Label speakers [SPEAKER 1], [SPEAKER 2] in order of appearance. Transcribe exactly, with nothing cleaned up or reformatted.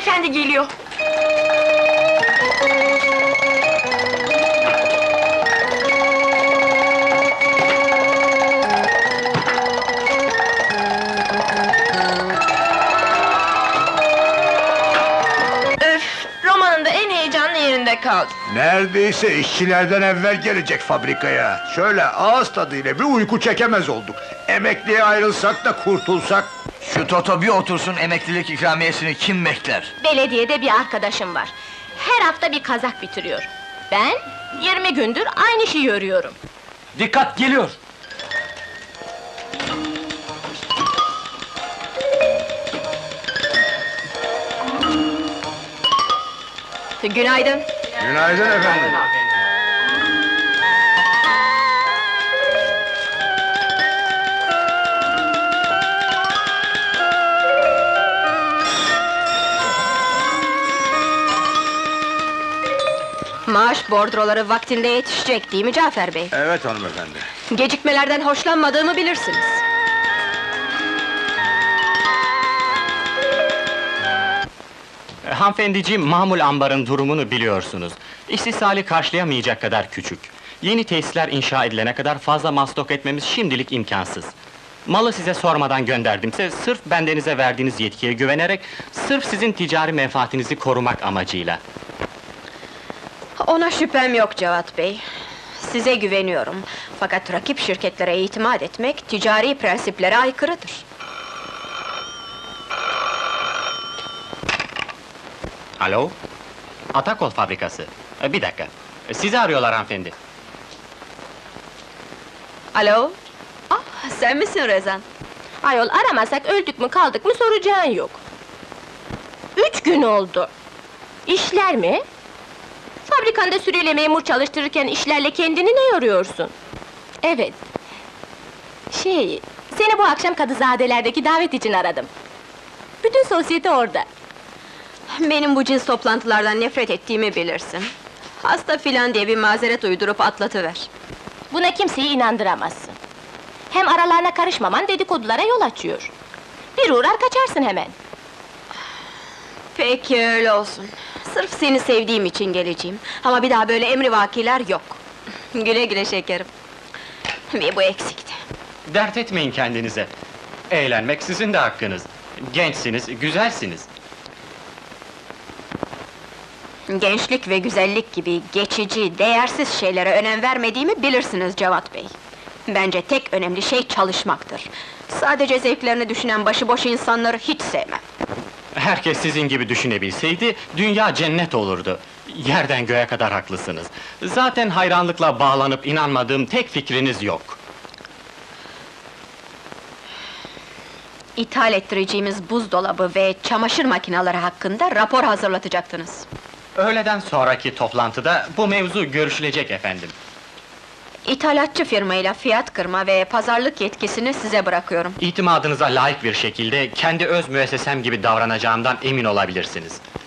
[SPEAKER 1] Beyefendi geliyor. Öf, romanın da en heyecanlı yerinde kaldı.
[SPEAKER 2] Neredeyse işçilerden evvel gelecek fabrikaya. Şöyle ağız tadıyla bir uyku çekemez olduk. Emekliye ayrılsak da kurtulsak.
[SPEAKER 3] Şu Toto bir otursun, emeklilik ikramiyesini kim bekler?
[SPEAKER 1] Belediyede bir arkadaşım var. Her hafta bir kazak bitiriyor. Ben yirmi gündür aynı şeyi örüyorum.
[SPEAKER 3] Dikkat, geliyor!
[SPEAKER 1] Günaydın.
[SPEAKER 2] Günaydın efendim.
[SPEAKER 1] Maaş bordroları vaktinde yetişecek değil mi Cafer Bey?
[SPEAKER 2] Evet hanımefendi.
[SPEAKER 1] Gecikmelerden hoşlanmadığımı bilirsiniz.
[SPEAKER 4] E, Hanımefendiciğim, mamul ambarın durumunu biliyorsunuz. İstisali karşılayamayacak kadar küçük. Yeni tesisler inşa edilene kadar fazla mal stok etmemiz şimdilik imkansız. Malı size sormadan gönderdimse, sırf bendenize verdiğiniz yetkiye güvenerek, sırf sizin ticari menfaatinizi korumak amacıyla.
[SPEAKER 1] Ona şüphem yok Cevat Bey. Size güveniyorum. Fakat rakip şirketlere itimat etmek, ticari prensiplere aykırıdır.
[SPEAKER 4] Alo? Atakol fabrikası. E, bir dakika. E, sizi arıyorlar hanımefendi.
[SPEAKER 1] Alo? Ah, sen misin Rezan? Ayol, aramasak öldük mü kaldık mı soracağın yok. Üç gün oldu. İşler mi? Fabrikanda sürüyle memur çalıştırırken işlerle kendini ne yoruyorsun? Evet. Şey, seni bu akşam Kadızadelerdeki davet için aradım. Bütün sosyete orada. Benim bu cins toplantılardan nefret ettiğimi bilirsin. Hasta filan diye bir mazeret uydurup atlatıver. Buna kimseyi inandıramazsın. Hem aralarına karışmaman dedikodulara yol açıyor. Bir uğrar kaçarsın hemen. Peki öyle olsun. Sırf seni sevdiğim için geleceğim. Ama bir daha böyle emrivakiler yok. Güle güle şekerim. Bir bu eksikti.
[SPEAKER 4] Dert etmeyin kendinize. Eğlenmek sizin de hakkınız. Gençsiniz, güzelsiniz.
[SPEAKER 1] Gençlik ve güzellik gibi geçici, değersiz şeylere önem vermediğimi bilirsiniz Cevat Bey. Bence tek önemli şey çalışmaktır. Sadece zevklerini düşünen başıboş insanları hiç sevmem.
[SPEAKER 4] Herkes sizin gibi düşünebilseydi, dünya cennet olurdu. Yerden göğe kadar haklısınız. Zaten hayranlıkla bağlanıp inanmadığım tek fikriniz yok.
[SPEAKER 1] İthal ettireceğimiz buzdolabı ve çamaşır makineleri hakkında rapor hazırlatacaktınız.
[SPEAKER 4] Öğleden sonraki toplantıda bu mevzu görüşülecek efendim.
[SPEAKER 1] İthalatçı firmayla fiyat kırma ve pazarlık yetkisini size bırakıyorum.
[SPEAKER 4] İtimadınıza layık bir şekilde kendi öz müessesem gibi davranacağımdan emin olabilirsiniz.